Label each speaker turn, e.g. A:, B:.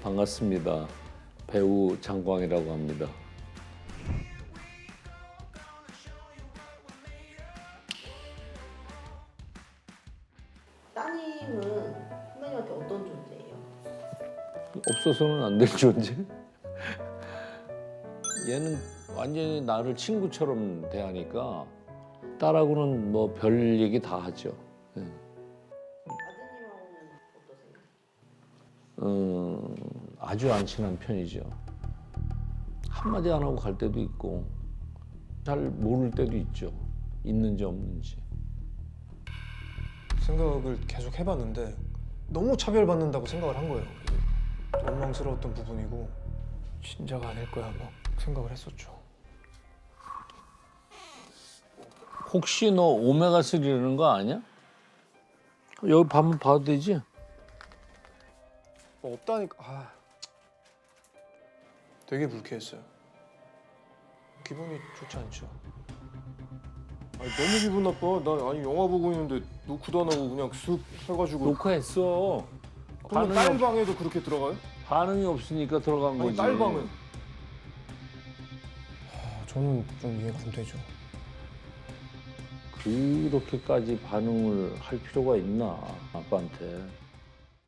A: 반갑습니다. 배우 장광이라고 합니다.
B: 따님은 선배님한테 어떤 존재예요?
A: 없어서는 안 될 존재? 얘는 완전히 나를 친구처럼 대하니까 딸하고는 뭐 별 얘기 다 하죠. 예.
B: 아드님하고는 어떠세요?
A: 아주 안 친한 편이죠. 한마디 안 하고 갈 때도 있고 잘 모를 때도 있죠. 있는지 없는지.
C: 생각을 계속 해봤는데 너무 차별받는다고 생각을 한 거예요. 그래서 원망스러웠던 부분이고 진짜가 아닐 거야 막 생각을 했었죠.
A: 혹시 너 오메가3라는 거 아니야? 여기 한번 봐도 되지?
C: 뭐 없다니까. 되게 불쾌했어요. 기분이 좋지 않죠. 아니, 너무 기분 나빠. 나 아니 영화 보고 있는데 노크도 안 하고 그냥 쓱 해가지고.
A: 녹화했어.
C: 그러면 딸 방에도 그렇게 들어가요?
A: 반응이 없으니까 들어간
C: 아니
A: 거지.
C: 딸 방은? 저는 좀 이해가 안 되죠.
A: 그렇게까지 반응을 할 필요가 있나 아빠한테.